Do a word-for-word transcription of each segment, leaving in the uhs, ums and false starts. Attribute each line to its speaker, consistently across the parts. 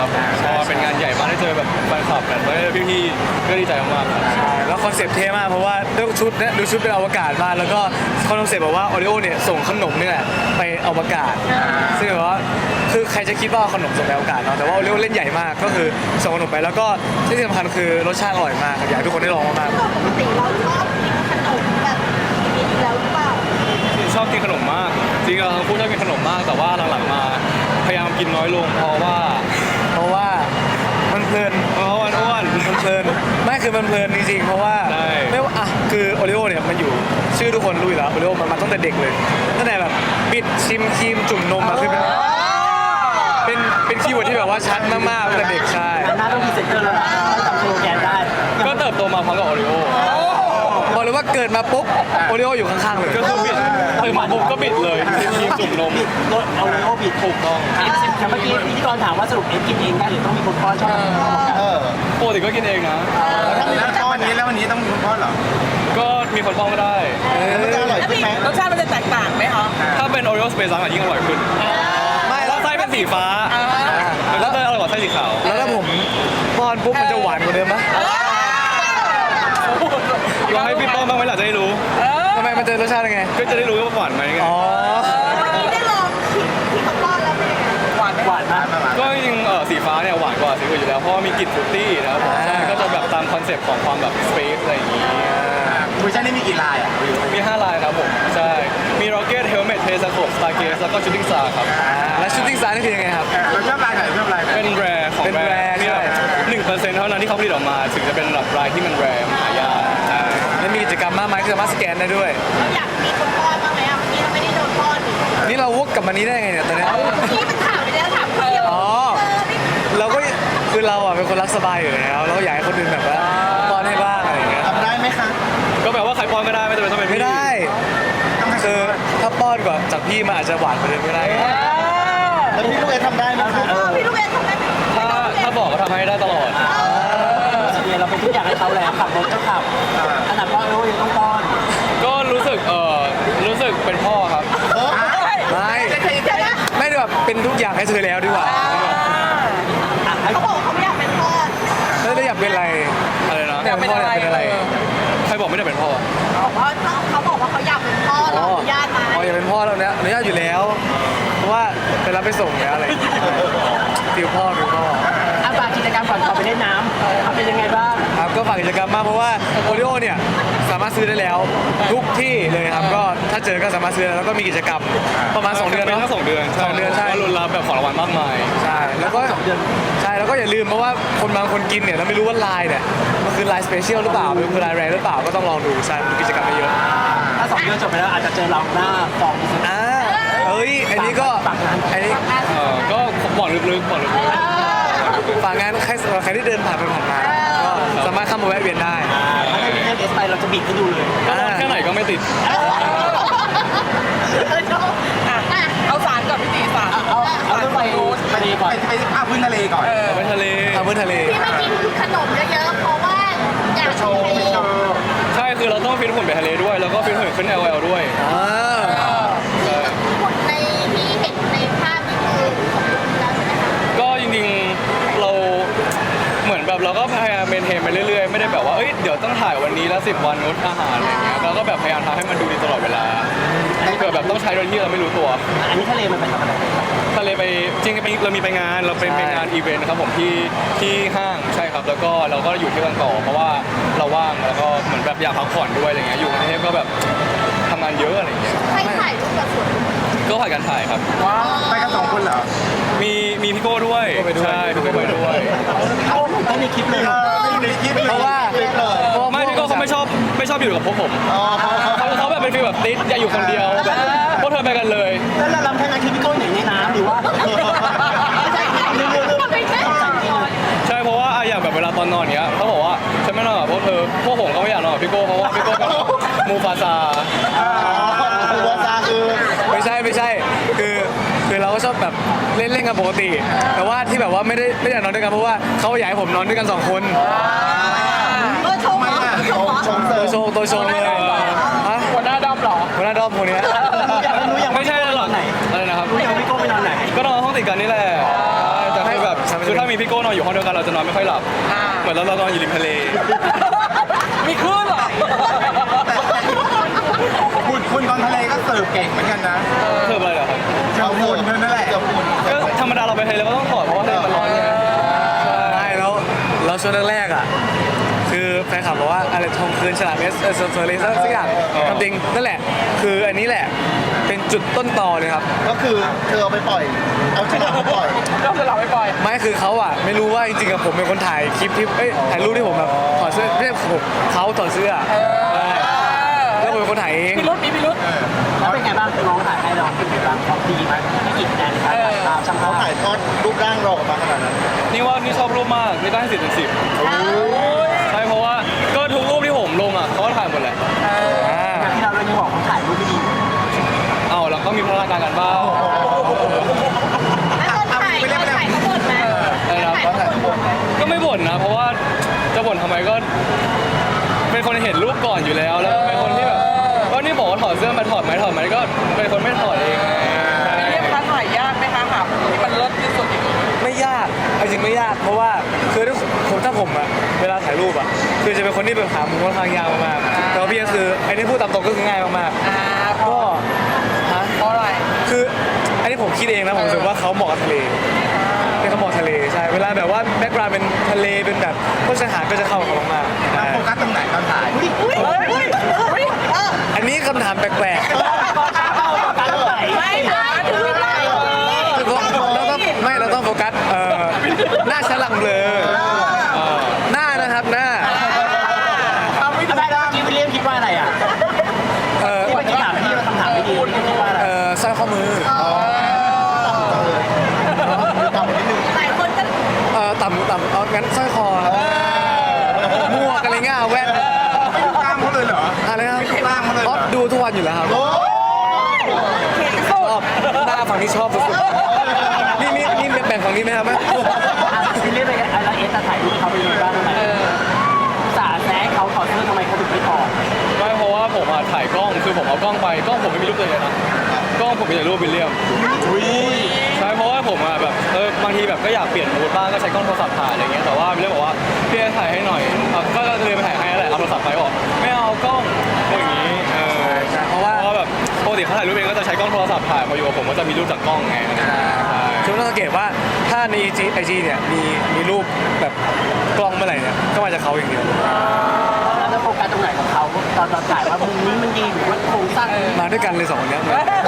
Speaker 1: ครับก็เป็นงานใหญ่มากได้เจอแบบแฟนคลับแบบพี่ๆก็ดีใจมากๆครับ
Speaker 2: ใช่แล้วคอนเซ็ปต์เท่มากเพราะว่าด้วยชุดเนี่ยดูชุดเป็นอวกาศมากแล้วก็คอนเซ็ปต์บอกว่าโอริโอเนี่ยส่งขนมเนี่ยไปอวกาศซึ่งแบบว่าคือใครจะคิดว่าขนมส่งไปอวกาศเนาะแต่ว่าโอริโอเล่นใหญ่มากก็คือส่งขนมไปแล้วก็ที่สำคัญคือรสชาติอร่อยมากอยากให้ทุกคนได้ลองมาก
Speaker 3: ปกติเราชอบกินขนมแบบนี้อยู่แล้วหรือเปล่า
Speaker 1: ชอบกินขนมมากจริงๆเราทั้งคู่ชอบกินขนมมากแต่ว่าหลังๆมาพยายามกินน้อยลงเพราะว่า
Speaker 2: เพราะว่ามันเพลิน
Speaker 1: เพราะว่าอ้วน
Speaker 2: มันเพลินไม่คือมันเพลินจริงๆเพราะว่า
Speaker 1: ใช่
Speaker 2: ไม่ว่าอ่ะคือโอริโอเนี่ยมันอยู่ชื่อทุกคนรู้อยู่แล้วโอริโอมันมาตั้งแต่เด็กเลยตั้งแต่แบบบิดชิมครีมจุ่มนมอะคือเป็นเป็นเป็นคีย์เวิร์ดที่แบบว่าชัดมากๆตั้งแต่เด็กใช่
Speaker 4: หน้าต้องมีเซ็นเตอร์แล้วนะต้องจำสโลแกนได้
Speaker 1: ก็เติบโตมาพร้อมกับโอริโอ
Speaker 2: บอกเลยว่าเกิดมาปุ๊บโอริโออยู่ข้างๆเลย
Speaker 1: ก็คือบิดตื่นมาปุ๊บก็บิดเลยกินครีมจุ่มนม
Speaker 4: บิดรถเอาเลยโอบิดถูกต้องแต่เมื่อกี้พิธีกรถามว่าสรุปเอ็กกินเองได้หรือต้องมีคนป้อนชอบกินข้าวกัน
Speaker 5: เออ
Speaker 1: ปกติก็กินเองนะ
Speaker 5: แล้วก้อนนี้แล้ววันนี้ต้องมีคุณพ่อเหรอ
Speaker 1: ก็มีคนป้องก็ได้
Speaker 5: มันจะอร่อยขึ้นไหม
Speaker 6: รสชาติมันจะแตกต่างไหมคะ
Speaker 1: ถ้าเป็นโอริโอสเปซซังอ่ะยิ่งอร่อยขึ้น
Speaker 2: ไม่แล้
Speaker 1: แล้ว วไส้เป็นสีฟ้าแล้วก็จะอร่อยกว่าไส้สีขาว
Speaker 2: แล้วถ้าผมป้อนปุ๊บมันจะหวานกว่าเดิมไหม
Speaker 1: ลองให้พี่ป้องบ้างไหมล่ะจะได้รู้
Speaker 2: ทำไมมันจะรสชาติยังไง
Speaker 1: ก็จะได้รู้ว่าหวานไหมไง
Speaker 2: อ๋อ
Speaker 3: เมื่อกี้ได้ลองชิมที่เขาป้อนแล้วเป็นยังไง
Speaker 6: หวานไหม
Speaker 4: หวานมาก
Speaker 1: ก็จริงๆเออสีฟ้าเนี่ยหวานกว่าสีอื่นอยู่แล้วเพราะว่ามีกลิ่นฟรุตตี้นะครับผมใช่ก็จะแบบตามคอนเซ็ปต์ของความแบบสเปซอะไรอย่างงี้
Speaker 5: คุยชั่นนี่มีกี่ลายอ่ะ
Speaker 1: มีห้าลายครับผมใช่มี Rocket Helmet t e s c o p Stargaze แล้วก็ Shooting Star ครับ
Speaker 2: แล้วชูตติ้งสตาร์นี่คือยังไงครับ
Speaker 5: เราชอบลายไหนชอบลายไหน
Speaker 1: เป็นแรร์ของ
Speaker 2: เป็น
Speaker 1: แร
Speaker 2: rare
Speaker 1: ร์มีแบบ
Speaker 2: ใช่
Speaker 1: หนึ่งเปอร์เซ็นต์เท่านั้นที่เขาผลิตออกมาถึงจะเป็นแบบรายที่มันแรร์หายากใช่
Speaker 2: แล้วมีกิจกรรมมากมายที่สามารถสแกนได้ด้วย
Speaker 3: เราอยากมีคนป้อนบ้างไหมอ่ะเมื่อกี้เราไม่ได้โดนป้อนนี่
Speaker 2: นี่เราวกกลับมานี้ได้ไงเนี่ยตอนเนี้ย
Speaker 3: ที่มันถามไปแล้วถามคนเดียว
Speaker 2: อ๋อ เราก็คือเราอ่ะเป็นคนรักสบายอยู่แล้วเราก็อยากให้คนอื่นแบบว่าป้อนให้บ้างอะไรอย่างเงี้ย
Speaker 5: ทำได้ไหมคะ
Speaker 1: ก็แปลว่าใครป้อนก็ได้ไม่จำเป็นต้องเป็น
Speaker 2: ไม่
Speaker 1: พี่
Speaker 2: ได้คือถ้าป้อนกว่าจากพี่มันอาจจะหวานกว่าเดิมก็ได้
Speaker 5: แล้วพี่ลูกเอทำได้ไหมคะ
Speaker 3: เออพี่ลูกเอ็นทำได้ไหม
Speaker 1: ถ้าถ้าบอกก็ทำให้ได้ตลอด
Speaker 4: เนี่ยเราเป็นทุกอย่างให้เขาแล้วขับรถก็ขับขนาดป้อนโอ้ยังต้องป้อน
Speaker 1: ก็รู้สึกเออรู้สึกเป็นพ่อครับ
Speaker 2: ไม่ไม่ได้แบบเป็นทุกอย่างให้เธอแล้วดีกว่า
Speaker 3: เขาบอกเขาไม่อยากเป็นพ่อ
Speaker 2: แล้วได้อยากเป็นอะไร
Speaker 1: อะไรนะ
Speaker 2: อยากเป็นพ่ออยากเป็นอะไร
Speaker 1: ใครบอกไม่ได้เป็นพ่อ
Speaker 3: บอกว่าเขาบอกว่าเขาอยากเป็นพ่อเราอนุญาตไหม
Speaker 2: อ๋ออยากเป็นพ่อแล้วเนี่ยอนุญาตอยู่แล้ว เพราะว่าไปรับไปส่งแล้วอะไรอย่างเงี้ยฟิลพ่อฟิลพ่อ
Speaker 4: อาฝากกิจกรรมก่อนขอไปเล่นน้ำเป็นยังไงบ้าง
Speaker 2: ครับก็ฝากกิจกรรมมากเพราะว่าโอริโอเนี่ยสามารถซื้อได้แล้วทุกที่เลยครับก็ถ้าเจอก็สามารถซื้อได้แล้วก็มีกิจกรรมประมาณสองเดือน
Speaker 1: เป็น
Speaker 2: เนาะ
Speaker 1: แค่สองเดือน
Speaker 2: สองเดือนใช่
Speaker 1: ก็รุนรับแบบของรางวัลมากมาย
Speaker 2: ใช่แล้วก็ใช่แล้วก็อย่าลืมเพราะว่าคนบางคนกินเนี่ยเราไม่รู้ว่าลายเนี่ยมันคือลายสเปเชียลหรือเปล่ามันคือลายแรหรือเปล่าก็ต้องลองดูใช่มีกิจกรรมเยอะ
Speaker 4: ถ้าสองเดือนจบไปแล้วอาจจะเจอเราหน้าฟองอีก
Speaker 2: อ่าเอ้ยอันนี้ก็อันนี้
Speaker 1: เออก็บอกลึกๆบอกลึก
Speaker 2: ฝากงานใครใครที่เดินผ่านไปผ่านมาก็สามารถเข้ามาแวะเวียนได้
Speaker 4: ถ้าไม่มีเรื่องเอสไปเราจะบิดให้ดูเลย
Speaker 1: ๆก็ร้อนแค่ไหนก็ไม่ติด
Speaker 6: เอาสารกับพี่ตีสาร
Speaker 4: เอาเอาเรื่องไปทะเลก่อน
Speaker 5: ไปไปภาพพื้นทะเลก่อน
Speaker 1: ไปทะเล
Speaker 2: ทางพื้นทะเล
Speaker 3: ที่ไม่กินขนมเยอะๆเพราะว่าอยาก
Speaker 5: โชว์ไปโชว์
Speaker 1: ใช่คือเราต้องฟิตหุ่นไปทะเลด้วย แล้วก็ฟิตหุ่นขึ้น แอล แอล ด้วย
Speaker 2: อ่า
Speaker 3: หุ่นในที่เห็นในภาพนี่คือสมบูรณ์แล้วใช่ไหมคะ
Speaker 1: ก็จริงๆเราเหมือนแบบเราก็พยายามเมนเทนไปเรื่อยๆ ไม่ได้แบบว่าเอ้ยเดี๋ยวต้องถ่ายวันนี้แล้วสิบวันงดอาหารอะไรเงี้ยเราก็แบบพยายามทำให้มันดูดีตลอดเวลาเกิดแบบต้องใช้โดยที่เราไม่รู้ตัว
Speaker 4: อันนี้ทะเลมันไปทำอะไร
Speaker 1: ทะเลไปจริงๆไปเรามีไปงานเราเป็นไปงานอีเวนต์ครับผมที่ที่ห้างใช่ครับแล้วก็เราก็อยู่ที่บางต่อเพราะว่าเราว่างแล้วก็เหมือนแบบอยากพักผ่อนด้วยอะไรเงี้ยอยู่กรุงเทพก็แบบทำงานเยอะอะไรเงี้ย
Speaker 3: ใครถ่ายรูปกับสวน
Speaker 1: ก็ผ่านการถ่ายครับ
Speaker 5: ว้าวไปกันสองคนเหรอ
Speaker 1: มีมีพี่โก้ด้วยใช่พี่โก้ไปด้วย
Speaker 4: เขาต้องมีคลิปเลย
Speaker 5: เออไม่อยู่ในคลิปเลย
Speaker 2: เพราะว่า
Speaker 5: คลิปเลย
Speaker 2: เพราะว่า
Speaker 1: ไม่พี่โก้เขาไม่ชอบไม่ชอบอยู่กับพวกผม
Speaker 5: อ๋อเขา
Speaker 1: เขาเขาแบบเป็นฟีลแบบติดอย่าอยู่คนเดียวแบบพวกเธอไปกันเลย
Speaker 4: แล้วเราลำแค่นั้นคือพี่โก้ไหนในน้ำหรือว่าไม่ใช่เรื่องเรื่องเรื่องใส่จริง
Speaker 1: ใช่เพราะว่าอะอย่างแบบเวลาตอนนอนเนี้ยเขาบอกว่าฉันไม่นอนกับพวกเธอพวกผมก็ไม่อยากนอนกับพี่โก้เพราะว่าพี่โก้เป็นมูฟาซา
Speaker 5: อ๋อตัวซาคือ
Speaker 2: ไม่ใช่ไม่ใช่คือคือเราก็ชอบแบบเล่นเล่นกันปกติ แต่ว่าที่แบบว่าไม่ได้ไม่อยากนอนด้วยกันเพราะว่าเขาอยากให้ผมนอนด้วยกันสองคน
Speaker 3: เออโชว์
Speaker 5: ไม่
Speaker 3: เหรอ
Speaker 5: น่ะ
Speaker 3: โชว์เหรอ
Speaker 5: ชมเสริ
Speaker 2: ตัว
Speaker 5: ม
Speaker 2: โชว์ตัวโชว์เลยฮะ
Speaker 6: หัวหน้าดำเหรอ
Speaker 2: หัวหน้าดอมคนเนี้ย
Speaker 4: รู้ยัง
Speaker 1: ไม่ใช่หรอก
Speaker 4: ไหน
Speaker 1: อะไรนะครับ
Speaker 4: รู้ยังพี่โก้ไปนอนไหน
Speaker 1: ก็นอนห้องติดกันนี่แหละแต่คือแบบ
Speaker 2: ฉัน
Speaker 1: คือถ้ามีพี่โก้นอนอยู่ห้องเดียวกันเราจะนอนไม่ค่อยหลับ
Speaker 6: อ่า
Speaker 1: เหมือนเราเรานอนอยู่ริมทะเล
Speaker 6: มีคลื่นเหรอ
Speaker 5: คุณคุณตอนทะเลก็เสิร์ฟเก่งเหมือนกันนะ
Speaker 1: เพิ่มอะไรเหรอครับ
Speaker 5: เจ้าคุณนั่นแหละเจ้าคุณ
Speaker 1: ก็ธรรมดาเราไปทะเลเราก็ต้องถอดเพราะว่าทะเลมันร้อนไง
Speaker 2: ใช่แล้วแล้วช่วงแรกๆอ่ะคือแฟนคลับบอกว่าอะไรทองคืนฉลามเอสเออเซอร์เลยสักอย่างทำจริงนั่นแหละ คืออันนี้แหละเป็นจุดต้นตอเลยครับ
Speaker 5: ก็คือเธอเอาไปปล่อย เอาฉลามไปปล่อย
Speaker 6: ก็จะหลับไปปล่อย
Speaker 2: ไม่คือเขาอ่ะไม่รู้ว่าจริงๆกับผมเป็นคนถ่ายคลิปที่เอ้ยถ่ายรูปที่ผมแบบถอดเสื้อไม่ใช่ผมเขาถอดเสื้อใช่แล้วผมเป็นคนถ่ายเอง
Speaker 6: พิรุษมีพิรุษ
Speaker 4: แล้วเป็นไงบ้างน้องถ่ายให้เราเป็นไงบ้างเขาดีไหมไม่กี่คะแนนในการถ่ายภาพช่าง
Speaker 5: เขา
Speaker 4: เขา
Speaker 5: ถ่ายทอดรูปร่างเราออกมาขนาดนั้น
Speaker 1: นี่ว่านี่ชอบรูปมากนี่ได้สิบเป็นสิบใช่เพราะว่าก็ทุกรูปที่ผมลงอ่ะเขาก็ถ่ายหมดแหละ
Speaker 4: อย่างที่เราเรื่องนี้บอกเขาถ่ายรูปไม่ดี
Speaker 1: เอาแล้วก็มีพัฒนาการกันบ้าง
Speaker 3: แล้วตอนถ่ายตอนถ่ายเขาบ่นไหม
Speaker 1: อะไรนะ
Speaker 3: ตอนถ่ายเขาบ่นไหม
Speaker 1: ก็ไม่บ่นนะ เพราะว่าจะบ่นทำไมก็ เป็นคนเห็นรูปก่อนอยู่แล้ว แล้วก็เป็นคนที่แบบก็นี่บอกว่าถอดเสื้อมาถอดไหมถอดไหมก็เป็นคนไม่ถอดเองไง
Speaker 6: เรียกค้าถ่ายยากไหมคะหาผู้ที่มันเลิศที่สุดอย่างนี้
Speaker 2: ไม่ยากเอาจริงไม่ยากเพราะว่าคือถ้าผมถ้าผมอะเวลาถ่ายรูปอะคือจะเป็นคนที่แบบหามุมค่อนข้างยากมากๆแต่ว่าพี่ก็คือไอ้นี่พูดตามตรงก็คือง่ายมาก
Speaker 6: อ่า
Speaker 2: ๆ
Speaker 6: เพราะ
Speaker 2: ก็ฮะ
Speaker 6: เพราะอะไร
Speaker 2: คืออันนี้ผมคิดเองนะผมรู้สึกว่าเขาเหมาะกับทะเลเป็นเขาเหมาะทะเลใช่เวลาแบบว่าแบ็กกราวด์เป็นทะเลเป็นแบบพวกชายหาดก็จะเข้ากับเขามากๆใช่
Speaker 5: โฟกัสตรงไหนตอนถ่าย
Speaker 2: อันนี้คำถามแปลกๆ
Speaker 6: ไม่นะถึงเวลา
Speaker 2: เราต้องไม่เราต้องโฟกัสเอ่อหน้าฉลังเบลอเอ่อหน้านะครับหน้า
Speaker 6: ทำไม่ได้
Speaker 4: ไม่แล้วเมื่อกี้วิลเลียมคิดว่าอะไรอ่ะ
Speaker 2: เอ่อ
Speaker 4: ที่เมื่อกี้ถามที่เราคำถามไม่ดีคิดว่าอะไร
Speaker 2: เอ่อสร้อยข้อมือ
Speaker 5: ต่ำนิดนึง
Speaker 3: หลายคนก็
Speaker 2: เอ่อต่ำต่ำเอางั้นสร้อยคอหมวกอะไรเงี้ยแว่น
Speaker 5: ไม่ดูกล้ามเขาเลยเหรอ
Speaker 2: อะไรครับ
Speaker 5: ไม่ดูกล้ามเขาเลยเหร
Speaker 2: อ๋อ
Speaker 5: อ
Speaker 2: ดูทุกวันอยู่แล้วครับ
Speaker 5: โอ้
Speaker 2: ชอบหน้าฝั่งนี้ชอบสุดๆนี่นี่นี่แบ่งฝั่งนี้ไหมครับ
Speaker 4: วิลเลียมเป็นอะไรเอสถ่ายรูปเขาเป็นยังไงบ้างทำไมสาแซงเขาถอดเสื้อทำไมเขาถึงไม่ถอด
Speaker 1: ไม่เพราะว่าผมอะถ่ายกล้องคือผมเอากล้องไปกล้องผมไม่มีรูปเลยนะกล้องผมมีแต่รูปวิลเลียมใช่เพราะว่าผมอะแบบเออบางทีแบบก็อยากเปลี่ยนมูดบ้างก็ใช้กล้องโทรศัพท์ถ่ายอะไรเงี้ยแต่ว่าวิลเลียมบอกว่าพี่ถ่ายให้หน่อยเอาก็เลยไปถ่ายให้แหละเอาโทรศัพท์ไปบอกไม่เอากล้องอย่างนี้เออ
Speaker 2: เพราะว่า
Speaker 1: เพราะว่าแบบปกติเขาถ่ายรูปเองก็จะใช้กล้องโทรศัพท์ถ่ายพออยู่กับผมก็จะมีรูปจากกล้องไงใช่
Speaker 2: คุณต้องสังเกตว่าถ้าในไอจีไอจีเนี่ยมีมีรูปแบบกล้องเมื่อไหร่เนี่ยก็มาจากเขาอย่างเดียว
Speaker 4: แล้วจะโฟกัสตรงไหนของเขาตอนตอนถ่ายว่ามุมนี้มันดีหรือว่าโครงสร้าง
Speaker 2: มาด้วยกันเลยสองคนเนี้ย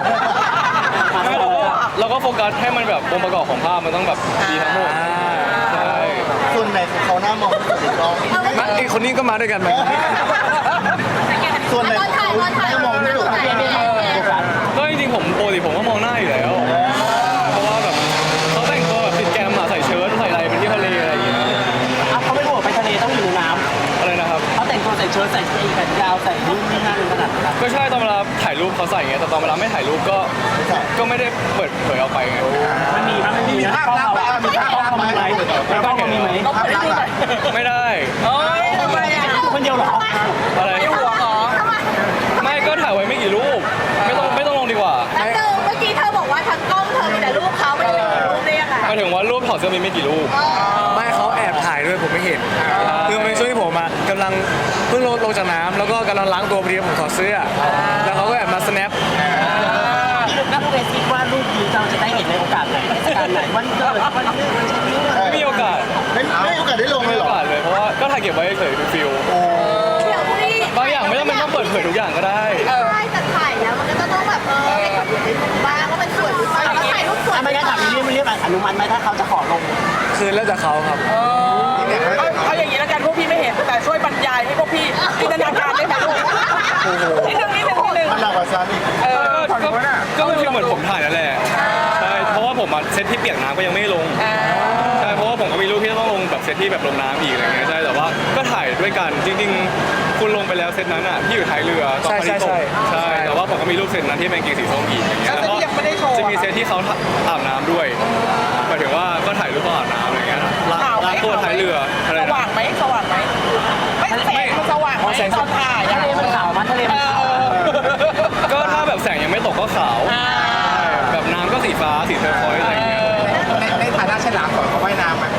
Speaker 1: เราก็โฟกัสให้มันแบบองค์ประกอบของภาพมันต้องแบบดีทั้งหมดใช่
Speaker 5: ส่วนไหนของเขาหน้ามองที่สุดในกล้อง
Speaker 2: มาไอคนนี้ก็มาด้วยกันเหมือนกัน
Speaker 5: ส่วนไหน
Speaker 3: ตอนถ่ายตอนถ่าย
Speaker 5: หน้ามองที่สุด
Speaker 3: ตอนถ่ายเป็นไง
Speaker 4: โฟกัส
Speaker 1: ก็จริงๆผมปกติผมก็มองหน้าอยู่แล้ว เพราะว่าแบบเขาแต่งตัวแบบติดแกมอะใส่เชิ้ตใส่อะไรเป็นที่ทะเลอะไรอย่างเงี้ย
Speaker 4: อ่ะเขาไม่รู้ว่าไปทะเลต้องอยู่ในน้
Speaker 1: อะไรนะครับ
Speaker 4: ำเขาแต่งตัวใส่เชิ้ตใส่กางเกงแขนยาวใส่นู่นนี่นั่นขนาดนั้น
Speaker 1: ก็ใช่ตอนเวลาถ่ายรูปเขาใส่ไงแต่ตอนเวลาไม่ถ่ายรูปก็ก็ไม่ได้เปิดเผยออกไปไง
Speaker 4: มันมีมั้ยมันมี
Speaker 5: มี
Speaker 4: นะ
Speaker 5: ภาพ
Speaker 4: กล้อง
Speaker 5: ลับ
Speaker 4: เรา
Speaker 5: ไหมมีภาพลับไหม
Speaker 4: กล้องเรามีไหม
Speaker 6: ต้องไปดูหน่อย
Speaker 1: ไม่ได้
Speaker 6: เอ้ยทำไมอ่ะ
Speaker 4: คนเดียวเหรอ
Speaker 1: อะไร
Speaker 6: ไม่ห่วงเหรอ
Speaker 1: ไม่ก็ถ่ายไว้ไม่กี่รูป ไม่ต้องไม่ต้องลงดีกว่า
Speaker 3: แล้วเธอเมื่อกี้เธอบอกว่าทั้งกล้องเธอมีแต่รูปเขาไม่ได้มีรูปได้ยังไง
Speaker 1: หมายถึงว่ารูปถอดเสื้อมีไม่กี่รูป
Speaker 2: ไม่เขาแอบถ่ายด้วยผมไม่เห็นคือมันเป็นช่วงที่ผมอะกำลังเพิ่งลงลงจากน้ำแล้วก็กำลังล้างตัวพอดีผมถอดเสื้อแล้วเขาก็แอบมา snap
Speaker 4: นักเรียนคิดว่ารูปนี้เราจะได้เห็นในโอกาสไหนเทศกาลไหนวันเกิดวันนี้วันชนิด
Speaker 1: ไม่มีโอกาส
Speaker 5: ไม่ไม่มีโอกาสได้ลง
Speaker 1: ไม่
Speaker 5: เล
Speaker 1: มี
Speaker 5: ย
Speaker 1: โอ
Speaker 5: เหรอ
Speaker 1: กาสเลยเพราะว่าก็ถ่ายเก็บไว้เฉยๆเป็นฟิล
Speaker 3: เดี๋ยวพี่
Speaker 1: บางอย่างไม่ต้องเป็นต้องเปิดเผยทุกอย่างก็ได้
Speaker 3: ใช่แต่ถ่ายแล้วมันก็ต้องแบบเออให้คนอื่นได้ดูบ้างว่ามันสวยหรือเปล่าแล้วถ่ายรูปสวย
Speaker 4: ถ้าไม่งั้นถามวิลเลียมวิลเลียมอนุมัติไหมถ้าเขาจะขอลง
Speaker 2: คือแล้วแต่เขาครับ
Speaker 6: เอาเอาอย่างนี้แล้วกันพวกพี่ไม่เห็นแต่ช่วยบรรยายให้พวกพี่จินตนาการได้ไหมลูกนิดนึงนิดนึงนิดนึง
Speaker 5: มันหนักกว่าฉันอีก
Speaker 6: เออ
Speaker 1: ก็ก็ก็เป็นฟิลเหมือนผมถ่ายนั่นแหละใช่เพราะว่าผมอะเซตที่เปียกน้ำก็ยังไม่ลง
Speaker 6: อ่า
Speaker 1: ใช่เพราะว่าผมก็มีรูปที่ต้องลงแบบเซตที่แบบลงน้ำอีกอะไรเงี้ยใช่แต่ว่าก็ถ่ายด้วยกันจริงๆ คุณลงไปแล้วเซตนั้นอ่ะที่อยู่ท้ายเรือตอนพายุตก
Speaker 2: ใช่
Speaker 1: ใช่แต่ว่าผมก็มีรูปเซตนั้นที่เป็นเกงสีส้มอีกอย่างเงี้ย
Speaker 6: แล้วที่ยังไม่ได้โชว์
Speaker 1: จะมีเซตที่เขาอาบน้ำด้วยหมายถึงว่าก็ถ่ายรูปตอนอาบน้ำอะไรเงี้ยล้าง
Speaker 6: ข่าวไหม
Speaker 1: ล้างตัวท้ายเรืออะไร
Speaker 6: ส
Speaker 1: นะ
Speaker 6: ว่างไหมสว่างไหมไม่แสงมันสว่างไหมตอนถ่าย
Speaker 4: ทะ
Speaker 6: อะ
Speaker 4: เลมันขาวมันทะเลมันขาว
Speaker 1: ก็ถ้าแบบแสงยังไม่ตกก็ขาว
Speaker 6: อ่า
Speaker 1: แบบน้ำก็สีฟ้าสีเทอร์คอยส์อะไรเงี้ย
Speaker 5: ในในฐานะฉลามก่อนเขาว่ายน้ำมัน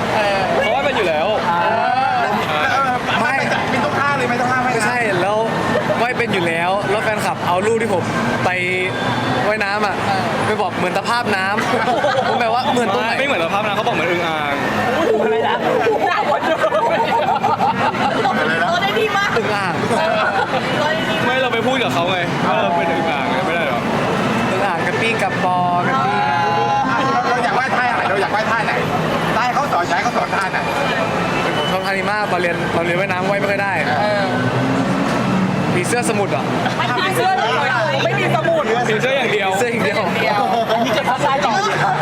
Speaker 2: ผมไปว่ายน้ำอ่ะไปบอกเหมือนตะภาพน้ำผมแบบว่าเหมือนตรงไหน
Speaker 1: ไม่เหมือนสภาพนะเขาบอกเหมือนอึ่งอ่าง
Speaker 4: อะไรนะ
Speaker 6: หน้าคนเดียว
Speaker 3: ตัวได้ดีมาก
Speaker 2: อึ่งอ่าง
Speaker 3: ตัวได้ดี
Speaker 1: ไม่เราไปพูดกับเขาไงว่าเราเป็นอึ่งอ่างไงไม่ได้หรอ
Speaker 2: อึ่งอ่างกระปี้กับปอกระปี้
Speaker 7: เราอยากไหว้ท่าไหนเราอยากไหว้ท่าไหนได้เขาสอนใช้เขาสอนท่าไหน
Speaker 2: ผมชอบท่านี้มากตอนเรียนตอนเรียนว่ายน้ำว่ายไม่ค่อยได้ผีเสื้อสมุทรอ่ะ
Speaker 6: ไม่มีเสื้อเลยไม่มีสมุด
Speaker 1: สีเสื้ออย่างเดียว
Speaker 2: เสื้ออย่างเดียว
Speaker 4: อันนี้เก็บภาษาต่อเลยครับ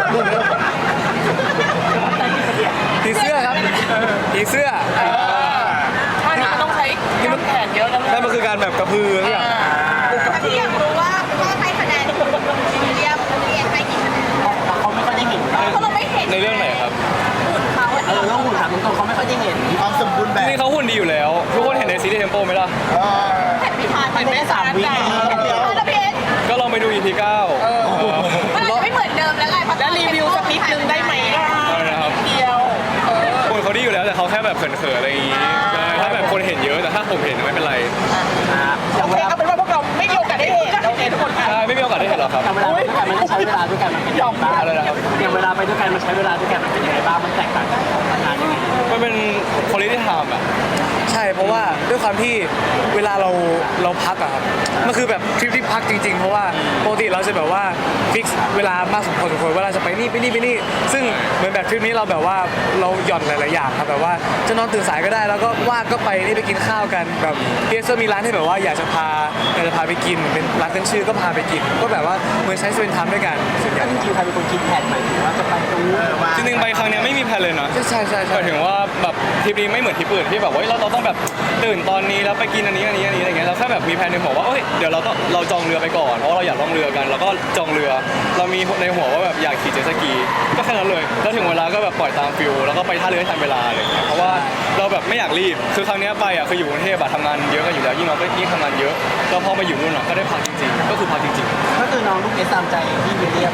Speaker 2: ผีเสื้อครับผีเสื้อ
Speaker 6: ท่านี้มันต้องใช้กล้ามแขนเยอะนะ
Speaker 1: นั่นมันคือการแบบกระพือทุกอย่าง
Speaker 3: ที่อยากรู้ว่าพ่อให้คะแนนวิลเลียมวิลเลียมให้กี่คะแนน
Speaker 4: เขาไม่ค่อยได้เห็น
Speaker 3: เพราะเราไม่เห็น
Speaker 1: ในเรื่องไหนครับ
Speaker 3: เขา
Speaker 4: เออแล้วหุ่นถามตรงๆเขาไม่ค่อยได้เห็น
Speaker 5: ความสมบูรณ์แบบ
Speaker 1: นี่เขาหุ่นดีอยู่แล้ว ทุกคนเห็นในซีรีส์เทมโปไหมล่ะ
Speaker 3: เห็นไม่ทัน
Speaker 4: เห็นไม่ได้สามวิ
Speaker 3: แล้วพี่เอ็น
Speaker 1: ก็ลองไปดู อี พี เก้า
Speaker 3: มันอาจจะไม่เหมือนเดิมแล้วไง
Speaker 6: แล้วรีวิวสักนิดนึงได้ไหมล่ะ
Speaker 1: อะไรนะครับ
Speaker 6: เดียวเออ
Speaker 1: คนเขาดีอยู่แล้วแต่เขาแค่แบบเขินๆอะไรอย่างงี้ใช่ถ้าแบบคนเห็นเยอะแต่ถ้าผมเห็นไม่เป็นไร
Speaker 4: อย่า
Speaker 6: โอง เค
Speaker 4: เวลา
Speaker 6: เอาเป็นว่าพวกเราไม่มีโอกาสได้เห็นโอเคทุกคนค่ะ
Speaker 1: ใช่ไม่มีโอกาสได้เห็นหรอกครับ
Speaker 4: อย่างเวลาไปด้วยกันมันต้องใช้เวลาด้วยกันมันเป็นยังไงบ้าง
Speaker 1: อะไรนะครับ
Speaker 4: อย่างเวลาไปด้วยกันมันใช้เวลาด้วยกันมันเป็นยังไงบ้างมันแตกต่างกันทำงานยังไง
Speaker 1: มันเป็นคุณลิที่ทำอ่ะ
Speaker 2: ใช่เพราะว่าด้วยความที่เวลาเราเราพักอะครับมันคือแบบทริปที่พักจริงๆ เพราะว่าปกติเราจะแบบว่าฟิกเวลามากสมควรสมควรเวลาจะไปนี่ไปนี่ไปนี่ซึ่งเหมือนแบบทริปนี้เราแบบว่าเราหย่อนหลายๆอย่างครับแบบว่าจะนอนตื่นสายก็ได้แล้วก็ว่างก็ไปนี่ไปกินข้าวกันแบบเพียร์มีร้านที่แบบว่าอยากจะพาอยากจะพาไปกินเป็นร้านขึ้นชื่อก็พาไปกิน ก็แบบว่าเหมือนใช้สเปนทามด้วยกันส่วนใหญ่
Speaker 4: จริงๆใครเป็นคนคิดแผนหมายถึงว่าจะไปตรงนู้น
Speaker 1: จริงๆไปครั้งเนี้ยไม่มีแพลนเลยนะ
Speaker 2: ใช่ใช่ใช่
Speaker 1: ห
Speaker 2: ใช่
Speaker 1: มายถึงว่าแบบทริปนี้ไม่เหมือนทริปอื่นที่แบบว่าเฮ้ยเราเราต้องแบบตื่นตอนนี้แล้วไปกินอันนี้อันนี้อันนี้อะไรเงี้ยเราแค่แบบมีแพลนในหัวว่าเอ้ยเดี๋ยวเราต้องเราจองเรือไปก่อนเพราะว่าเราอยากล่องเรือกันแล้วก็จองเรือ เรามีในหัวว่าแบบอยากขี่เจ็ตสกีก็แค่นั้นเลยแล้วถึงเวลาก็แบบปล่อยตามฟิลแล้วก็ไปท่าเรือให้ทันเวลาอะไรเงี้ยเพราะว่าเราแบบไม่อยากรีบคือครั้งเนี้ยไปอ่ะคืออยู่กรุงเทพอะทำงานเยอะกันอยู่แล้วยิ่งเราก็ยิ่งทำงานเยอะแล้วพอมาอยู่นู่นอะก็ได้พักจริงๆก็คือพักจริง
Speaker 4: ก็คือน้องลูกเอสตามใจที่วิลเลียม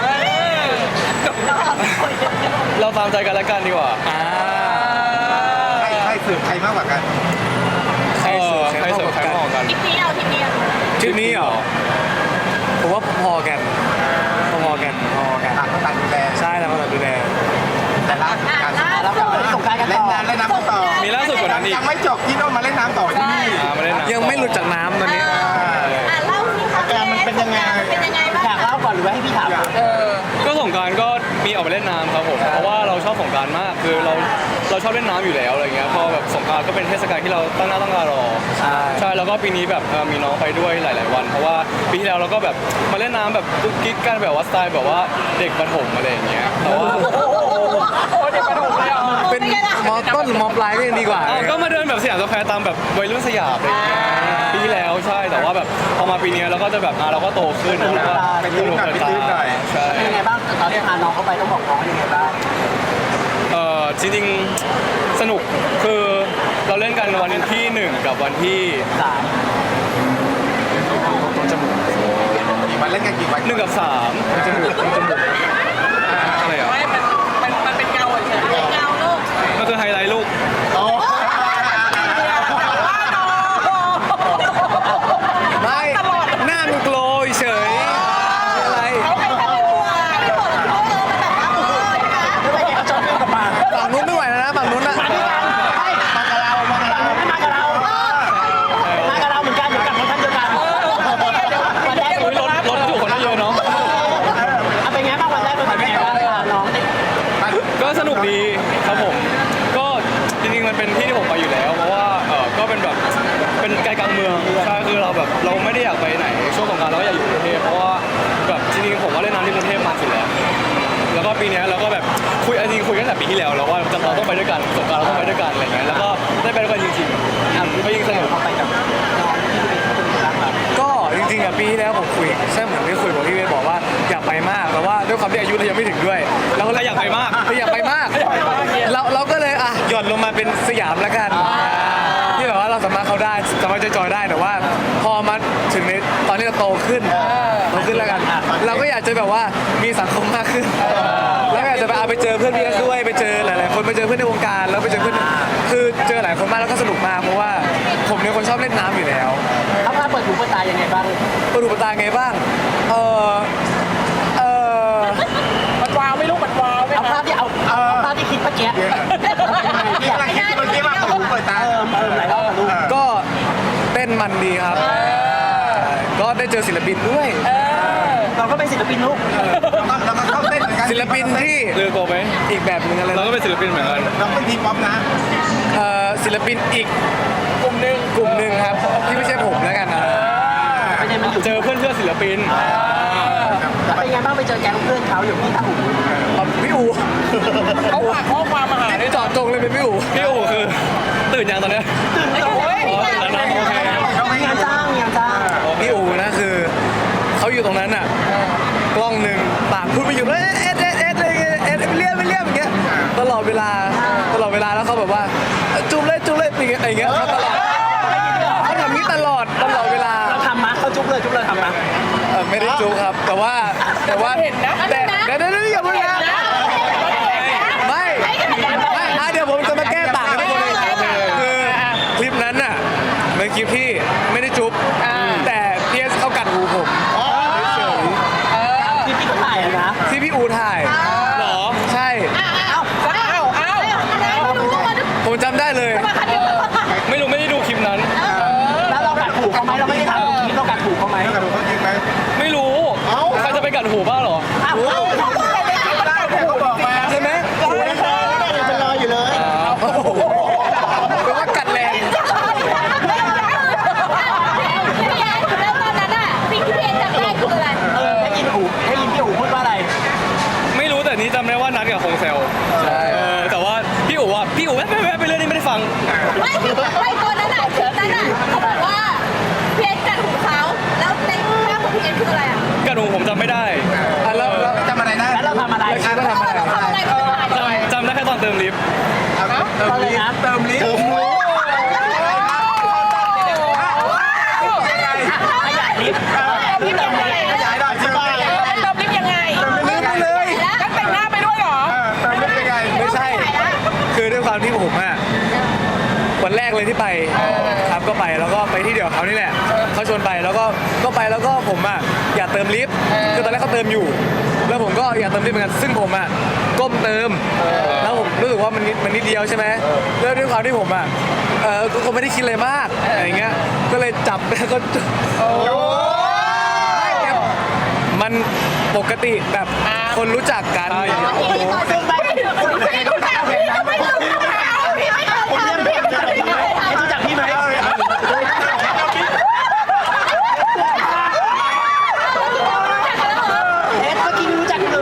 Speaker 1: ๆ เราตามใจกันแล้วกันดีกว่า
Speaker 2: อ่า
Speaker 7: ใครใครสืบใครมากกว่ากัน
Speaker 2: ใคร
Speaker 1: เอ
Speaker 2: เสิ
Speaker 1: อ
Speaker 2: ร์ฟ
Speaker 1: ใครเสิร์ฟใครมองกัน
Speaker 3: ทริปนี้เอาทริปนี้เอา
Speaker 2: ทริปนี้เหรอผมว่าพอๆกันพอๆกันพอๆกัน
Speaker 7: ต่างคนต่างดูแล
Speaker 2: ใช่แล้วก็แบบดูแล
Speaker 7: แต่ล่าสุดการ
Speaker 4: แล้วกลับมาที่สงกรารกัน
Speaker 7: เล่
Speaker 4: ต่
Speaker 7: น
Speaker 4: อ
Speaker 7: น้ำเล่นน้ำต่อ
Speaker 1: มีล่าสุดกว่านั้นอีก
Speaker 7: ยังไม่จบที่โน่นมาเล่นน้ำต่อที่นี่
Speaker 1: อ่ามาเล่นน้ำ
Speaker 2: ยังไม่หลุดจากน้ำตอนนี้
Speaker 3: อ่ะเล่าสิคะ
Speaker 5: อาการมันเป็นยังไง
Speaker 3: มันเป็นยังไงบ้าง
Speaker 4: อยากเล่าก่อนหรือว่าให้พี่ถามก่อน
Speaker 6: เออ
Speaker 1: ก็สงกรารก็มีออกไปเล่นน้ำครับผมเพราะว่าเราชอบสงกรารมากคือเราเราชอบเล่นน้ำอยู่แล้วอะไรเงี้ยพอแบบสงกรารก็เป็นเทศกาลที่เราตั้งหน้าตั้งตารอ
Speaker 2: ใช่
Speaker 1: ใช่แล้วก็ปีนี้แบบเอ่อมีน้องไปด้วยหลาย ๆ วัน เพราะว่าปีที่แล้วเราก็แบบมาเล่นน้ำแบบกุ๊กกิ๊กกันแบบว่าสไตล์แบบว่าเด็กประถมอะไรอย่างเงี้ยแต่ว่า
Speaker 6: โอ้เด็กประถมเลยอ่ะ
Speaker 2: เป็นมอต้นหรือมอปลายก็ยังดีกว่า
Speaker 1: อ้าวก็มาเดินแบบสยามสแควร์ตามแบบวัยรุ่นสยามอะไรอย่างเงี้ยปีที่แล้วใช่แต่ว่าแบบพอมาปีนี้เราก็จะแบบอ่ะเราก็โตขึ้นแล้วก็
Speaker 7: ไปตื้นหน่อยไปตื้นหน่อย
Speaker 1: ใช่
Speaker 4: เป็นยังไงบ้างตอนที่พาน้องเข้าไปต้องบอกน้องยังไงบ้าง
Speaker 1: เออจริงๆสนุกคือเราเล่นกันวันที่หนึ่งกับวันที่
Speaker 4: สาม
Speaker 7: กี่วันเล่นกันกี่วัน
Speaker 1: หนึ่งกับสามอะไรอ่ะ
Speaker 6: ไม่มันมันมันเป็นเงาเฉย
Speaker 3: เงาลูก
Speaker 1: มันคือไฮไลท์ลูก
Speaker 5: โอ้
Speaker 2: ไม่หน้ามันโกลว์เฉยอะไร
Speaker 3: เขาใครทำเป็นตัวไม่บอกเขาเออมันแบบว่าเออใช่ไหม
Speaker 4: ไม่ไปเขาชอบเล่นกับมา
Speaker 2: ฝั่งนู้นไม่ไหวแล้วนะฝั่งนู้นนะ
Speaker 4: มาด้วยกันไม่มากับเรามากับเรามากับเรามากับเราเหมือนกันเหมือนกับรถท่านเดียวกันวันแรก
Speaker 1: อุ๊ยรถรถอยู่คนละเยอะเนาะ
Speaker 4: เอาเป็นไงบ้างวันแรกเป็นไงบ้างน้องได้
Speaker 1: ก็สนุกดีครับผม ก็จริงๆมันเป็นที่ที่ผมไปอยู่แล้ว เพราะว่าเออก็เป็นแบบเป็นไกลกลางเมืองใช่คือเราแบบเราไม่ได้อยากไปไหนช่วงสงกรานต์เราก็อยากอยู่กรุงเทพเพราะว่าแบบจริงๆผมว่าเล่นน้ำที่กรุงเทพมาสุดแล้ว แล้วก็ปีเนี้ยเราก็แบบคุยจริงๆคุยตั้งแต่ปีที่แล้วแล้วว่าจะเราต้องไปด้วยกันสงกรานต์เราต้องไปด้วยกันอะไรเงี้ยแล้วก็ได้ไปด้วยกันจริงๆอ่ะก็ยิ่งสนุก
Speaker 4: เขาไปกับน้องที่เป็นรักเรา
Speaker 2: ก็จริงๆอ่ะปีที่แล้วผมคุยใช่เหมือนที่คุยบอกพี่เวย์บอกว่าอยากไปมากแต่ว่าด้วยความที่อายุเรายังไม่ถึงด้วยเราก็เลยอยากไปมากอยากไปมากเราเราก็เลยอ่ะหย่อนลงมาเป็นสยามแล้วกันที่แบบว่าเราสามารถเข้าได้สามารถจอยๆได้แต่ว่าพอมาถึงในตอนที่เราโตขึ้นโตขึ้นแล้วกัน เราก็อยากจะแบบว่ามีสังคมมากขึ้นแล้วก็อยากจะไปเอาไปเจอเพื่อนพี่เอสด้วยไปเจอหลายๆคนไปเจอเพื่อนในวงการแล้วไปเจอเพื่อนคือเจอหลายคนมากแล้วก็สนุกมากเพราะว่าผมเป็นคนชอบเล่นน้ำอยู่แล้ว
Speaker 4: เขาพาเปิดหูเปิดตายังไงบ้าง
Speaker 2: เปิดหูเปิดตาไงบ้างเออเออ
Speaker 6: บัดวาวไม่รู้บัดวาวไหม
Speaker 4: เอาภา
Speaker 6: คะ
Speaker 4: พที่เอาเอาภาพที่คิดเมื่อกี้
Speaker 7: ที่กำลังคิดเมื่อกี้ว่าเปิดหูเปิดตา
Speaker 4: เออเออหลายรอบลูก
Speaker 2: ก็เต้นมันดีครับก็ได้เจอศิลปินด้วย
Speaker 4: เราก็เป็นศิลปินลูก
Speaker 7: เราก็เข้าเต้นเหมือนกัน
Speaker 2: ศิลปินที่
Speaker 1: เลือกโกไหม
Speaker 2: อีกแบบหนึงอะไร
Speaker 1: เราก็เป็นศิลปินเหมือนกัน
Speaker 7: เราเป็นทีป๊อปนะ
Speaker 2: เอ่อศิลปินอีกกลุ่มหนึ่งกลุ่มหนึ่งครับที่ไม่ใช่ผมแล้วกันนะ
Speaker 4: ประเด็นมันอยู่
Speaker 1: เจอเพื่อนเพื่อนศิลปิน
Speaker 4: แล้วเป็นไงบ้างไปเจอแก๊งเพื่อนเขาอยู่ที่ท่าหู
Speaker 2: เอาพี่อู๋
Speaker 6: เขาฝากข้อความมาหา
Speaker 2: นี่เจอดจงเลยเป็นพี่อู๋
Speaker 1: พี่อู๋คือตื่นยังตอนเนี้ย
Speaker 6: โอ้ย
Speaker 1: อ๋อตื่นแล้วนะโอเค
Speaker 4: มีงานจ้างมีงานจ้าง
Speaker 2: พี่อู๋นะคือเขาอยู่ตรงนั้นอ่ะกล้องหนึ่งปากพูดไม่หยุดเลยเอ็ดเอ็ดเอ็ดเอ็ดเอ็ดเรียบเรียบอย่างเงี้ยตลอดเวลาตลอดเวลาแล้วเขาแบบว่าจุ๊บเลยจุ๊บเลยอย่างเงี้ยอย่างเงี้ยเขาตลอดเขาทำนี้ตลอดตลอดเวลา
Speaker 4: เราทำมะเขาจุ๊บเลยจุ๊บเลยทำมะ
Speaker 2: เอ่อไม่ได้จุ๊บครับ แต่ว่าแต่ว่า
Speaker 6: เห็นนะ
Speaker 2: แต่เดี๋ยวเดี๋ยวเดี๋ยวอย่าพูดนะไม่ไม่อ่ะเดี๋ยวผมจะมาแก้ต่างกันทุกคนเลยคือคลิปนั้นน่ะเป็นคลิปที่ไม่ได้จุ๊บแต่พีเอสเขากัดหูผมเฉย
Speaker 4: ที่พี่เขาถ่ายอะนะ
Speaker 2: ๆที่พี่อูถ่าย
Speaker 1: เหรอ
Speaker 2: ใช่
Speaker 6: อ้าวอ้าว
Speaker 2: ผมจำได้เลย
Speaker 1: ไม่รู้ไม่ได้ดูคลิปนั้น
Speaker 4: แล้วเรากัดหูเขาไหมเราไม่ได้ทำคลิปเรากัดหูเขาไหม
Speaker 7: กระดูกเขาจริงไหม
Speaker 1: ไม่รู้ใครจะไปกัดหูบ้างเหรอ
Speaker 4: อ้าว
Speaker 7: เขาบอกมา
Speaker 2: ใช่ไหม
Speaker 5: เป็นรอยอยู่เลย
Speaker 2: โอ้โหแปลว่ากัดแรง
Speaker 3: แล้วตอนนั้นอ่ะสิ่งที่พี่เอ็นจำได้คืออะไร
Speaker 4: เออได้ยินหูได้ยินพี่หูพูดว่าอะไร
Speaker 1: ไม่รู้แต่นี้จำได้ว่านัดกับคงเซล
Speaker 2: ใช่
Speaker 1: เออแต่ว่าพี่อู๋อ่ะพี่อู๋แวะแวะแวะไปเรื่อยนี่ไม่ได้ฟัง
Speaker 3: ไม่ไม่ตอนนั้นอ่ะคลิปนั้นอ่ะเขาบอกว่าพี่เอ็นกัดหูเขาแล้วในภาพของพี่เอ็นคืออะไรอ่ะ
Speaker 1: กัดหูผมจำไม่ได้
Speaker 2: อ่ะแล้วแล้ว
Speaker 7: จำอะไรได้
Speaker 4: แล้วเราทำอะไร
Speaker 2: แล้วคิดว่าทำอะไร
Speaker 3: เราทำอะไรไม่ได้
Speaker 1: จำจำได้แค่ตอนเติมลิฟต์
Speaker 7: เติมลิฟต์เติมลิฟต์
Speaker 4: ขยายลิฟต์
Speaker 6: พี่เป็นยังไง
Speaker 7: ขยายหน่อยใช่ไหม
Speaker 6: เติมลิฟต์ยังไง
Speaker 2: ลืมไปเลย
Speaker 6: แล้วแต่งหน้าไปด้วยเหรอ
Speaker 7: เติมลิฟต์ยังไง
Speaker 2: ไม่ใช่ คือด้วยความที่ผมอะวันแรกเลยที่ไปครับก็ไปแล้วก็ไปที่เดียวกับเขานี่แหละเขาชวนไปแล้วก็ก็ไปแล้วก็ผมอะอยากเติมลิฟต์คือตอนแรกเขาเติมอยู่ แล้วผมก็อยากเติมลิฟต์เหมือนกันซึ่งผมอะก้มเติมแล้วผมรู้สึกว่ามันนิดมันนิดเดียวใช่ไหมแล้วด้วยความที่ผมอะเออก็ก็ไม่ได้คิดอะไรมากอะไรเงี้ยก็เลยจับแล้วก็มันปกติแบบคนรู้จักกัน
Speaker 3: พี่ตอนซึ่งไม่ไม่รู้จักพี่ไม่เคยทำพี่ไม่เคยทำพี่ไม่เคยทำ
Speaker 4: รู้จักพี่ไหม เอ๊ะเมื่อกี้ไม่รู้จักเลย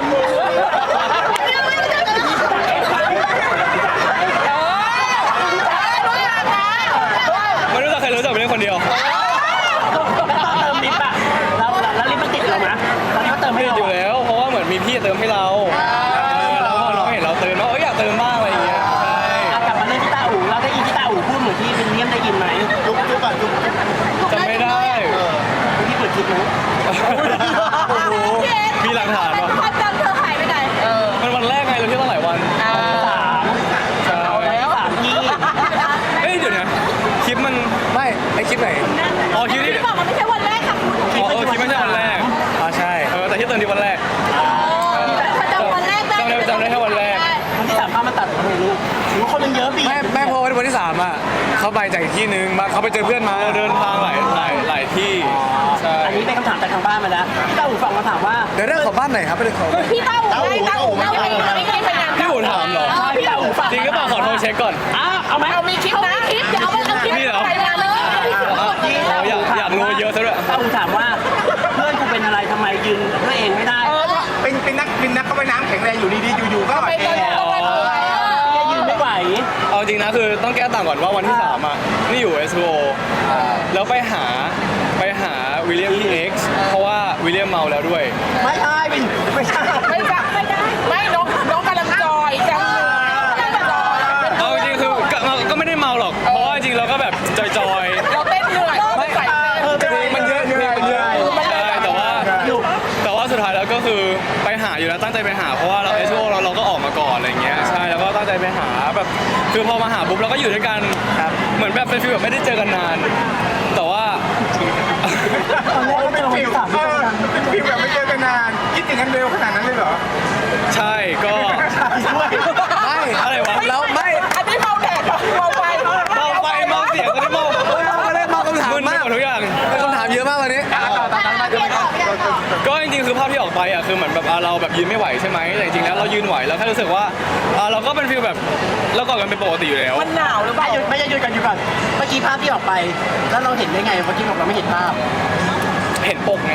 Speaker 1: ไม่รู้จักใครรู้จักเป็นเรื่องคนเดียว
Speaker 4: เติมลิฟต์อะเราแล้วลิฟต์มันติดเรานะตอนนี้เขาเติมให้
Speaker 1: ติด
Speaker 4: เรา
Speaker 1: อยู่แล้ว เพราะว่าเหมือนมีพี่เติมให้เราแล้วพอน้องเห็นเราเติมว่าเอออยากเติมบ้างอะไรอย่างเงี้ยใช่
Speaker 4: กลับมาเล่นที่ต้าอู่เราได้ยินที่ต้าอู่พูดเหมือนที่วินเลียมได้ยินไหม
Speaker 5: จุ๊บจุ๊บก่อนจุ๊บ
Speaker 1: จำไม่ได้
Speaker 4: ที่เปิดคลิปนะ
Speaker 1: โอ้โหมีหลักฐานวะ
Speaker 3: ความจำเธอหายไปไหน
Speaker 1: มันวันแรกไงเราเที่ยวตั้งหลายวัน
Speaker 4: สาม
Speaker 1: ใช่
Speaker 4: แล้วสามที่
Speaker 1: เอ้ยเดี๋ยวนะคลิปมัน
Speaker 2: ไม่ไอคลิปไหน
Speaker 1: อ๋อคลิปที่
Speaker 3: พี่บอกมันไม่ใช่วันแรกค่ะคุณ
Speaker 1: อ๋อเออคลิปไม่ใช่วันแรก
Speaker 2: อ๋อใช่
Speaker 1: เออแต่ที่เติมที่วันแรก
Speaker 3: จำวันแรกได้
Speaker 1: จำได้จำได้แค่วันแรก
Speaker 4: วันที่สามภาพมาตัดทำไมลูกหรือคนมันเยอะปี
Speaker 2: แม่แม่พอวันที่สามอ่ะเขาไปจากอีกที่นึงมาเขาไปเจอเพื่อนมา
Speaker 1: เออเดินทางหลายหลายหลายที่ใช่
Speaker 4: อันนี้เป็นคำถามจากทางบ้านมาแล้วที่ต้าอู่ฟังมาถามว่า
Speaker 2: เดี๋ยวเรื่องของบ้านไหนครับไปเลยของ
Speaker 3: พี่เต้าหูได้เต้าหูได้ไม่ไม่ไม่
Speaker 1: พี่อุ่นถามเหรอ
Speaker 4: พี่ต้าอู่ฟัง
Speaker 1: จริงหรือเปล่าขอโทรเช็คก่อน
Speaker 4: อ้าเอาไหม
Speaker 6: เอามีคลิป
Speaker 3: เขา
Speaker 6: นะ
Speaker 3: ไม่คลิปเดี๋ยวเอาเอาคลิป
Speaker 1: นี่เหรอ
Speaker 3: ไปมาเลย
Speaker 1: เราอยากอยากรู้เยอะซะด้วย
Speaker 4: ต้าอู่ถามว่าเพื่อนกูเป็นอะไรทำไมยืนด้วยเองไม่ได้
Speaker 7: เป็นเป็นนักเป็นนักเข้าไปน้ำแข็งแรงอยู่ดีๆอยู่ๆก็
Speaker 6: ไป
Speaker 7: เอ
Speaker 6: ตอน
Speaker 7: ง
Speaker 6: นี้ต้องไปดู
Speaker 4: ยืนไม่ไหว
Speaker 1: เอาจริงนะคือต้องแก้ต่างก่อนว่าวันที่สามอ่ะนี่อยู่ เอส โอ แล้วไปหาไปหาวิลเลียมที่ X เพราะว่าวิลเลียมเมาแล้วด้วย
Speaker 4: ไม่ใช่เป็นไม่ใช่
Speaker 6: ไม่จับไม่ได้ไม่น้องน้องกำลังจอยจังกำลังจอย
Speaker 1: เอาจริงๆคือก็ก็ไม่ได้เมาหรอก เพราะว่าจริงๆเราก็แบบจอย
Speaker 6: เราเต้นเหนื่อยไม่ใส่
Speaker 2: มันเยอะเพลงมันเยอะ
Speaker 1: ๆใช่แต่ว่าแต่ว่าสุดท้ายแล้วก็คือไปหาอยู่แล้วตั้งใจไปหาเพราะว่าเรา เอส โอ เราเราก็ออกมาก่อนอะไรเงี้ยใช่แล้วก็ตั้งใจไปหาแบบคือพอมาหาปุ๊บเราก็อยู่ด้วยกันเหมือนแบบเป็นฟีลแบบไม่ได้เจอกันนาน แต่ว่า
Speaker 4: ตอนแรกก็
Speaker 7: เป็น
Speaker 4: เจอ
Speaker 7: ฟิล
Speaker 4: สาม
Speaker 7: เออเป็นฟิลแบบไม่เจอกันนานคิดถึงกันเร็วขนาดนั้นเลยเหรอ
Speaker 1: ใช่ก็
Speaker 4: ด้วย
Speaker 2: ไม่
Speaker 1: อะไรวะ
Speaker 2: แล้วไม่
Speaker 6: อันนี้เมาแดดเมาไฟ
Speaker 1: เมาไฟเมาเสียงก็ได้เมา
Speaker 2: ไม่ได้มาคำถาม
Speaker 1: มึนไป
Speaker 2: มาก
Speaker 1: หมดทุกอย่าง
Speaker 2: เป็นคำถามเยอะมากวันนี้
Speaker 3: เพียนออกเพียนออก
Speaker 1: ก็จริงๆคือภาพที่ออกไปอ่ะคือเหมือนแบบอ่ะเราแบบยืนไม่ไหวใช่ไหมแต่จริงๆแล้วเรายืนไหวแล้วแค่รู้สึกว่าอ่ะเราก็เป็นฟีลแบบเรากอดกันเป็นปกติอยู่แล้ว
Speaker 6: มันหนาวหรือเป
Speaker 4: ไม่
Speaker 6: ล่า
Speaker 4: หยุดไม่จะหยุดกันอยู่ก่อนเมื่อกี้ภาพที่ออกไป แล้วเราเห็นได้ไงเมื่อกี้บอกเราไม่เห็นภาพ
Speaker 1: เห็นปกไง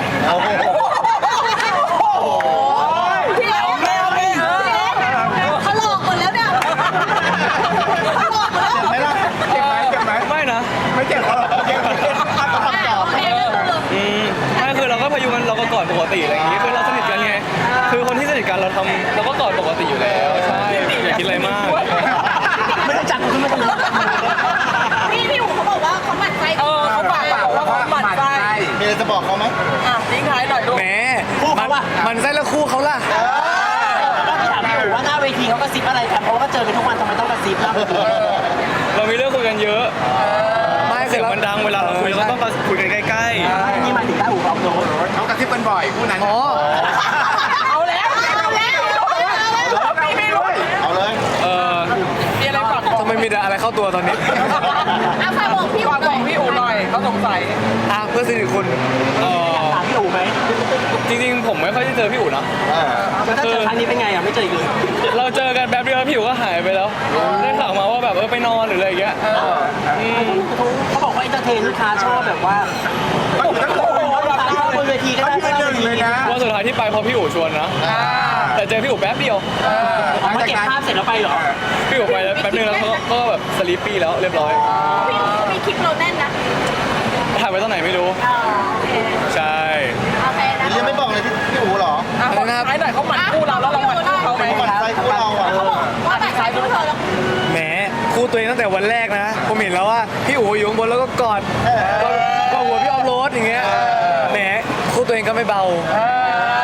Speaker 3: พี่เล็กโอเคโอเคเขาหลอกหมดแล้วเนี่ยเขาหลอกหมดแล้ว
Speaker 7: ไม่ล่ะเจ็บไหมเจ็บไหม
Speaker 1: ไม่นะ
Speaker 7: ไม่เจ็บเหรอโอเคโอเค
Speaker 3: โอเคก็คือ
Speaker 1: อืมไม่คือเราก็พยุงกันเราก็กอดปกติอะไรอย่างงี้คือเราสนิทกันไงคือคนที่สนิทกันเราทำเราก็กอดปกติอยู่แล้วใช่อย่าคิดอะไรมาก
Speaker 4: ไม่ต้องจับกูขึ้นมาตรงนี้
Speaker 3: พี่พี่หูเขาบอกว่าเขาหมั่นไส้
Speaker 6: เออเขาฝากบอกว่าเขาหมั่นไส้
Speaker 5: มีอะไรจะบอกเขาไหม
Speaker 6: อ่ะทิ้งท้ายหน่อยลูก
Speaker 2: แหมมันมันไส้แล้วคู่เขาล่ะ
Speaker 4: ก็ถามพี่อู๋ว่าหน้าเวทีเขากระซิบอะไรกันเพราะว่าเจอกันทุกวันทำไมต้องกระซิบล่ะ
Speaker 1: เรามีเรื่องคุยกันเยอะ
Speaker 2: ไม่
Speaker 1: เสียงมันดังเวลาเราคุยเราก็ต้องคุยกันใกล้
Speaker 4: นี่หมายถึงหน้าอู๋เขาโน้ต
Speaker 7: เขากระซิบกันบ่อยคู่นั้น
Speaker 2: อ๋อ
Speaker 6: เอาแล้วเอาแล้วไม่ไม่รู้
Speaker 5: เอาเลย
Speaker 1: ๆเออ
Speaker 6: มีอะไรฝากบอก
Speaker 2: ทำไมมีแต่อะไรเข้าตัวตอนนี้
Speaker 3: อ่ะฝากบอกพี่หู
Speaker 6: ฝาก
Speaker 3: ห
Speaker 6: บ
Speaker 3: น่
Speaker 6: อ
Speaker 3: อก ย
Speaker 6: พี่อู๋หน่อยเขาสงสัย
Speaker 2: อ่ะเพื่อนสนิทคุณ
Speaker 1: เออ
Speaker 4: ถามพี่อู๋ไหม
Speaker 1: จริงๆผมไม่ค่อยได้เจอพี่อู๋นะ
Speaker 4: แล้วถ้าเจอครั้งนี้เป็นไงอ่ะไม่เจออีกเลย
Speaker 1: เราเจอกันแป๊บเดียวพี่อู๋ก็หายไปแล้วได้ข่าวมาว่าแบบเออไปนอนหรืออะไรอย่างเงี้ยม
Speaker 4: เขาบอกว่าอินเตอร์เทนลูกค้าชอบแบบว่าลูกค้าชอบบนเวทีก็ได้
Speaker 7: เขายืนหนึ่งเลยนะ
Speaker 1: วันสุดท้ายที่ไปเพราะพี่อู๋ชวนนะแต่เจอพี่อู๋แป๊บเดียว
Speaker 4: เอามาเก็บภาพเสร็จแล้วไปเหรอ
Speaker 1: พี่อู๋ไปแล้วแป๊บนึงแล้วเขาก็แบบสลีปปี้แล้วเรียบร้อย
Speaker 3: พี่หูเขามีคลิปเราแน่นนะ
Speaker 1: ถ่ายไว้ตอนไหนไม่รู้
Speaker 3: อ๋อโอเค
Speaker 1: ใช่
Speaker 3: โอเคนะ
Speaker 5: ยังไม่บอกเลยที่พี่อู๋เหรอ
Speaker 6: อ่ะบอกท้ายหน่อยเขาหมั่นคู่เราแล้วเราหมั่นคู่เขาไหม
Speaker 5: หมั่นไส้คู่เราอ่ะ
Speaker 3: เขาบอกว่าแบบใช้คู่เธอแล้ว
Speaker 2: แหมคู่ตัวเองตั้งแต่วันแรกนะ ผมเห็นแล้วว่าพี่อู๋อยู่ข้างบนแล้วก็กอดก็ก็หัวพี่ออฟโรดอย่างเงี้ยแหมคู่ตัวเองก็ไม่เบา
Speaker 6: เออ